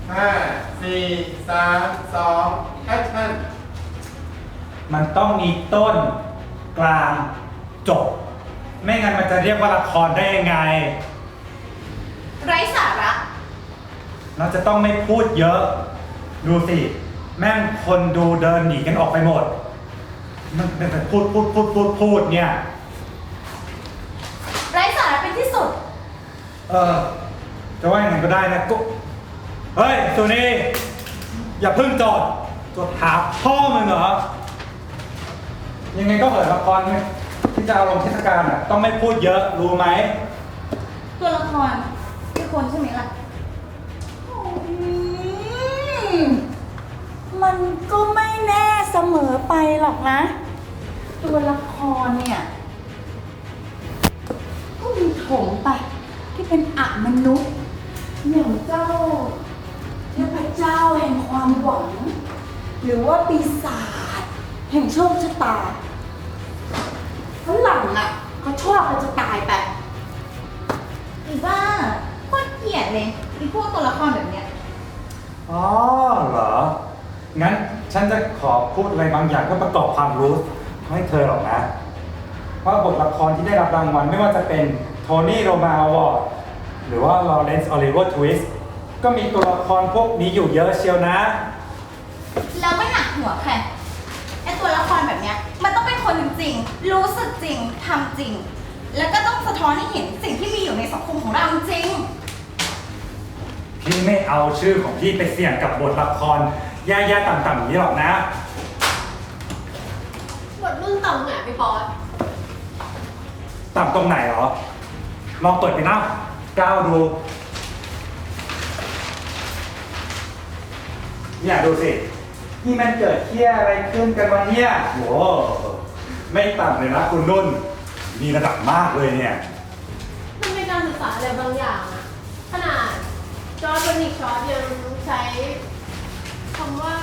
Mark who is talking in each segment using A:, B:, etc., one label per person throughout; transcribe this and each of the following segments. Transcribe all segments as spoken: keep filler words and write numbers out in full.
A: ห้าสี่สามสองแอคชั่น
B: มันต้องมีต้นกลางจบไม่งั้นมันจะเรียกว่าละครได้ยังไง
C: ไร้สาระ
B: เราจะต้องไม่พูดเยอะดูสิแม่งคนดูเดินหนีกันออกไปหมดมันเป็นแต่พูดพูดพูดพูดพูดเนี่ย
C: ไร้สาระเป็นที่สุด
B: เออจะว่าอย่างไงก็ได้นะก็เฮ้ยสุนีอย่าเพิ่งจอดจดหาพ่อมึงเหรอยังไงก็เหินละครที่จะเอาลงเทศกาลอ่ะต้องไม่พูดเยอะรู้ไหม
C: ตัวละครคือคนใช่ไหมล่ะ
D: มันก็ไม่แน่เสมอไปหรอกนะตัวละครเนี่ยก็มีโถงไปที่เป็นอมนุษย์อย่างเจ้าเทพเจ้าแห่งความหวังหรือว่าปีศาจแห่งโชคชะตาฝรั่งอ่ะเขาชอบกันจะตายไป
C: อีบ้าโคตรเกลียดเลยอีพวกตัวละครแบบเนี้ย
B: อ๋อเหรองั้นฉันจะขอพูดอะไรบางอย่างเพื่อประกอบความรู้ให้เธอหรอกนะว่าบทละครที่ได้รับรางวัลไม่ว่าจะเป็นโทนี่โรมาอวอร์ดหรือว่าลอเรนซ์ออลิเวอร์ทวิสต์ก็มีตัวละครพวกนี้อยู่เยอะเชียวนะ
C: แล้วไม่หนักหัวแค่ไอตัวละครแบบเนี้ยมันต้องเป็นคนจริงๆรู้สึกจริงทำจริงแล้วก็ต้องสะท้อนให้เห็นสิ่งที่มีอยู่ในสังคมของเราจริง
B: พี่ไม่เอาชื่อของพี่ไปเสี่ยงกับบทละครแย่ๆต่ำๆอย่างนี้หรอกนะ
E: บทรุ่นต่ำไหนพี่ปอส
B: ต่ำตรงไหนหรอลองเปิดไปหน้าก้าวดูเนี่ยดูสินี่มันเกิดเที่ยอะไรขึ้นกันวะเนี่ยโว้ไม่ต่ำเลยนะคุณนุ่นมีระดับมากเลยเนี่ย
E: มันเป็นการศึกษาอะไรบางอย่างอะขนาดจอร์จวานิกชอตยังใช้คำว่า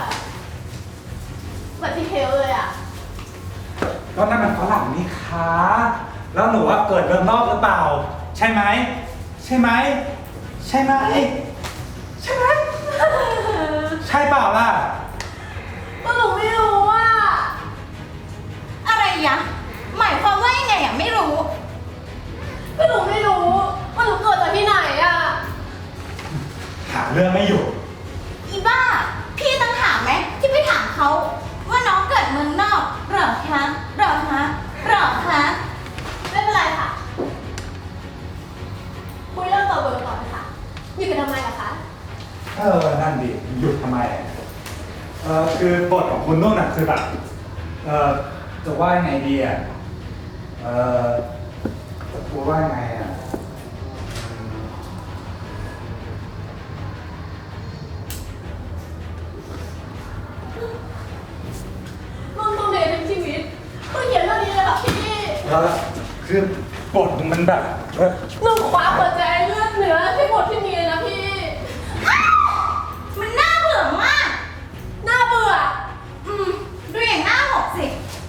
E: บัตติเทลเลยอะ
B: ก็นั่นมันฝรั่งนี่คะแล้วหนูว่าเกิดเมืองนอกหรือเปล่าใช่ไหมใช่ไหมใช่ไหมใช่ไหมใช่เปล่าล่ะ
E: ก็หนูไม่รู้ว่า
C: อะไรยะหมายความว่ายังไงอ่ะไม่รู้
E: ก็หนูไม่รู้ว่าหนูเกิดจากที่ไหนอะ
B: หาเรื่องไม่อยู่
C: อีบ้าพี่ต้องถามไหมที่ไปถามเขาว่าน้องเกิดเมืองนอกหรอคะหรอคะหรอคะ
E: ไม่เป็นไรค่ะคุยเรื่องต่อเบอร์ต่อเลยค่ะอยู่กันทำไมล่ะคะ
B: เออนั่นดิหยุดทำไมเออคือบทของคุณนุ่นน่ะคือแบบเออจะว่าไงดีอ่ะเออจะพูดว่าไงอ่ะ
E: นุ่นต้องเรียนทั้งชีวิตเพื่อเขียนเรื่องนี้เลยเหรอพี่
B: เออคือบทมันแบบ
E: หนูคว้าหัวใจเลือดเนื้อที่บทที่มีเลยนะพี่
C: มันน่าเบื่อมาก
E: น่าเบื่อ
C: อืมดูอย่างหน้าหกสิ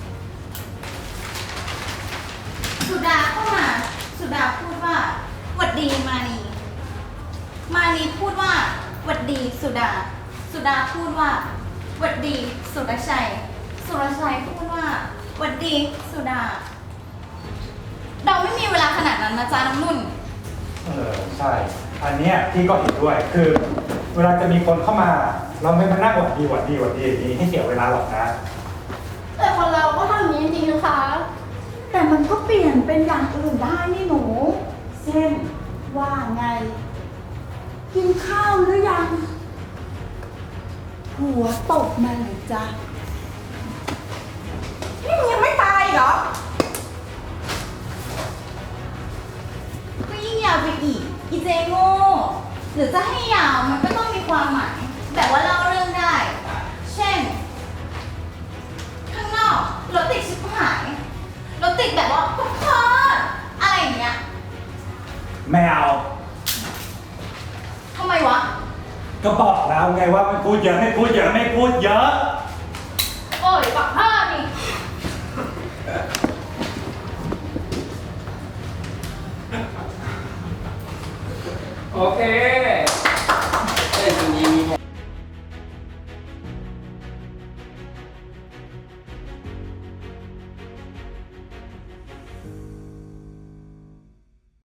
C: สุดาเข้ามาสุดาพูดว่าหวัดดีมานีมานีพูดว่าหวัดดีสุดาสุดาพูดว่าหวัดดีสุรชัยสุรชัยพูดว่าหวัดดีสุดาเราไม่มีเวลาขนาดนั้นนะจ๊ะน้ำนุ่น
B: เออใช่อันเนี้ยพี่ก็เห็นด้วยคือเวลาจะมีคนเข้ามาเราไม่มานั่งหวัดดีหวัดดีหวัดดีอย่างนี้ให้เสียเวลาหรอกนะ
E: แต่คนเราก็ทำอย่างนี้จริงๆนะคะ
D: แต่มันก็เปลี่ยนเป็นอย่างอื่นได้นี่หนูเช่นว่าไงกินข้าวหรือยังหัวตกมาเลยจ้ะ
C: นี่มึงยังไม่ตายเหรอก็ยิ่งยาวไปอีกอีเจโง่หรือจะให้ยาวมันก็ต้องมีความหมายแต่ว่าเล่าเรื่องได้เช่นข้างนอกรถติดชิบหายรถติดแบบว่าพุกพ่ออะไรอย่างเงี้ย
B: ไม่เอา
C: ทำไมวะ
B: ก็บอกแล้วไงว่าไม่พูดเยอะไม่พูดเยอะไม่พูดเยอะ
E: โอ้ยปักผ้านี่
A: โอเค